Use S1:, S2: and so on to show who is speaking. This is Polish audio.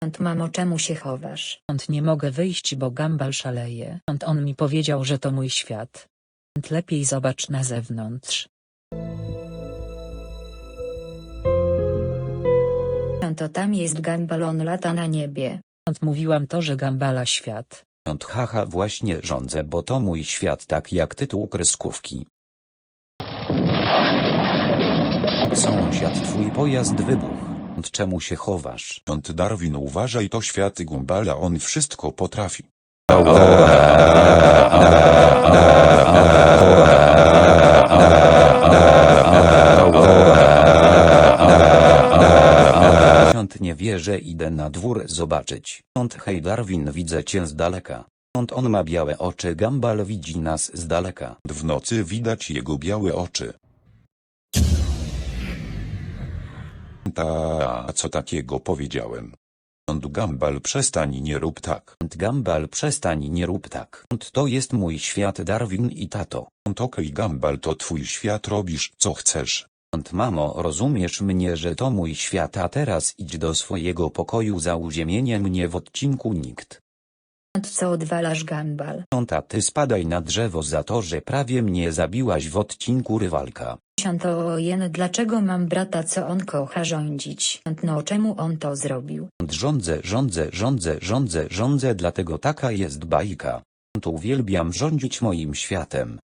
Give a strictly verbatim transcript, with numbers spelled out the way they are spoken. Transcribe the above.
S1: Ant mamo, czemu się chowasz?
S2: Ant nie mogę wyjść, bo Gumball szaleje. Ant on mi powiedział, że to mój świat. Ant lepiej zobacz na zewnątrz.
S1: Ant to tam jest Gumball, on lata na niebie.
S2: Ant mówiłam to, że Gumballa świat.
S3: Ant haha, właśnie rządzę, bo to mój świat, tak jak tytuł kreskówki. Sąsiad, twój pojazd wybuchł. Ant czemu się chowasz?
S4: Ant Darwin, uważaj, to świat Gumballa, on wszystko potrafi.
S3: Ant nie wierzę, idę na dwór zobaczyć. Ant hej Darwin, widzę cię z daleka. Ant on ma białe oczy, Gumball widzi nas z daleka.
S4: W nocy widać jego białe oczy. Ta, a co takiego powiedziałem? Ant Gumball, przestań, nie rób tak.
S3: Ant Gumball, przestań, nie rób tak. Ant to jest mój świat, Darwin i tato.
S4: Ant okej, Gumball, to twój świat, robisz co chcesz.
S3: Ant mamo, rozumiesz mnie, że to mój świat, a teraz idź do swojego pokoju, za uziemienie mnie w odcinku nikt.
S1: Ant co odwalasz, Gumball?
S3: Ant a ty spadaj na drzewo za to, że prawie mnie zabiłaś w odcinku rywalka.
S1: Ant to ojen, dlaczego mam brata, co on kocha rządzić? Ant no, czemu on to zrobił?
S3: Ant rządzę, rządzę, rządzę, rządzę, rządzę, dlatego taka jest bajka. Ant uwielbiam rządzić moim światem.